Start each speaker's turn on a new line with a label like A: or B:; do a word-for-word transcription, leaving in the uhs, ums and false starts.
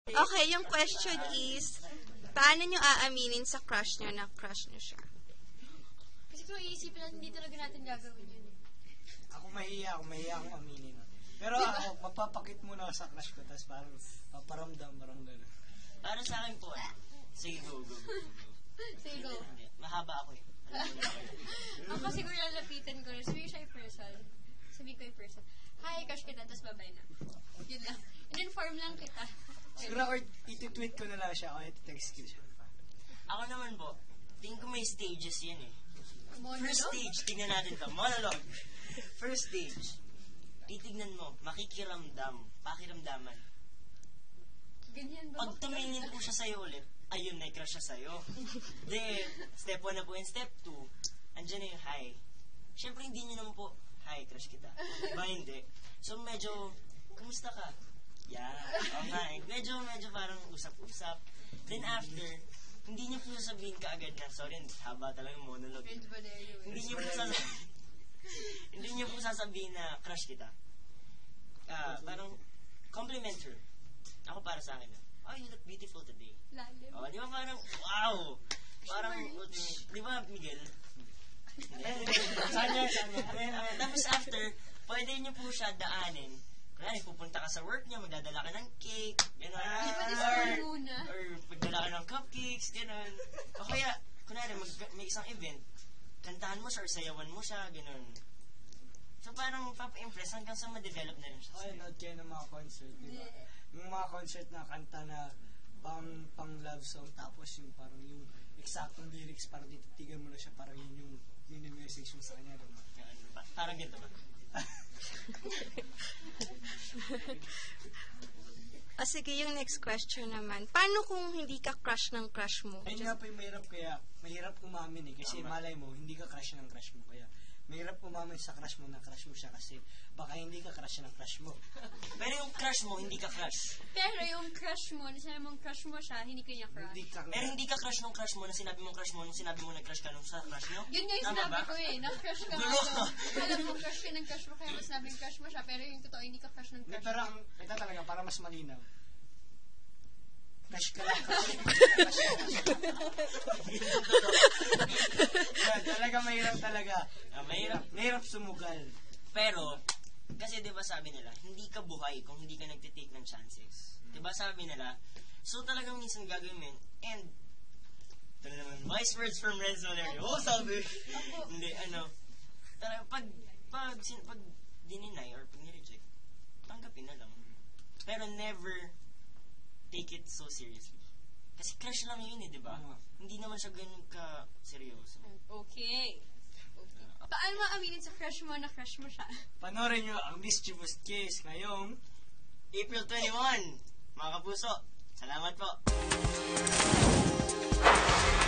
A: Okay, yung question is, paano nyo aaminin sa crush nyo na crush nyo siya?
B: Kasi kung iisipin natin, hindi talaga natin gagawin yun.
C: Ako mahiya, ako mahiya akong aminin. Pero ako, mapapakit muna ako sa crush ko, tapos parang paparamdam, parang gano'n.
D: Para sa akin po, eh. Sige, go, go, go, go.
B: Sige, go.
D: Hindi, mahaba ako eh.
B: Ako siguro lalapitan ko, sabi ko siya yung person. Sabi ko yung person. Hi, crush kita, tapos babay na. Yun lang. In-inform lang kita.
C: Siguro, or iti-tweet ko na lang siya, o iti-text ko siya.
D: Ako naman po, tingin ko may stages yan eh.
B: Monologue?
D: First stage, tingnan natin to. Monologue. First stage, titignan mo, makikiramdam, pakiramdaman.
B: Ganyan ba?
D: Pag tumingin po siya sa'yo ulit, ayun, may crush siya sa'yo. Then, step one na po and step two, andyan na yung hi. Siyempre, hindi nyo naman po, hi, crush kita. Diba, hindi? So, medyo, kumusta ka? Yeah, oh hi. Medyo, medyo parang usap-usap. Then after, hindi nyo po sasabihin ka agad na, sorry, haba talaga yung monologue. Hindi nyo po sasabihin, hindi nyo po sasabihin na crush kita. Ah, parang, compliment her. Ako para sa akin, oh, you look beautiful today.
B: Lalim.
D: Oh, di ba parang, wow! Parang, di ba, Miguel?
C: Sanya, sanya.
D: Tapos after, pwede nyo po siya daanin. Kaya pupunta ka sa work niya, magdadala ka ng cake, gano'n. Or, or magdala ka ng cupcakes, gano'n. O kaya, kunwari, mag, may isang event, kantahan mo siya or sayawan mo siya, gano'n. So parang papa-impress hanggang sa ma-develop na rin siya.
C: Okay, nood kayo ng mga concert, di ba? Yung mga concert na kanta na pang, pang love song, tapos yung parang yung eksaktong lyrics, parang dititigan mo na siya, parang yun yung mini-message mo sa kanya, di ba?
D: Parang ganito ba?
A: O sige, yung next question naman. Paano kung hindi ka crush ng crush mo?
C: Ayun nga po yung mahirap kaya, mahirap umamin eh, kasi malay mo, hindi ka crush ng crush mo, kaya mahirap umamin sa crush mo na crush mo siya kasi baka hindi ka crush ng crush mo.
D: Pero yung crush mo, hindi ka crush.
B: Pero yung crush mo, na sinabi mong crush mo siya, hindi ka niya crush.
C: Hindi ka
D: Pero hindi ka crush nung crush mo na sinabi mong crush mo nung sinabi mo nag-crush ka nung sa crush nyo?
B: Yun nga yung
D: Tama
B: sinabi
D: ba?
B: ko eh, na-crush ka nga
D: Gulo.
B: doon. Alam mo, crush ka ng crush mo, kaya mas sinabing crush mo siya, pero yung totoo, hindi ka crush ng
C: Hindi,
B: crush
C: pero
B: mo.
C: ang, ito talaga, para mas malinaw. Crush ka lang. Yan, talaga mahirap talaga.
D: Ah, mahirap.
C: Mahirap sumugal.
D: Pero, kasi di ba sabi nila, hindi ka buhay kung hindi ka nagtitake ng chances. Di ba sabi nila, so talagang minsan gagawin mo yun, and, ito na naman, wise words from Renzo Valerio. Oh, sabi. Hindi, ano, talaga, pag, pag, sin, pag dininay or pag nireject, tanggapin na lang. Pero never take it so seriously. Kasi crush lang yun eh, di ba?
C: Oo.
D: Hindi naman siya ganun ka seryoso.
B: Okay. Okay. Paano mo aminin sa crush mo na crush mo siya?
C: Panorin nyo ang Mischievous Kiss ngayong
D: April twenty-first, mga kapuso. Salamat po.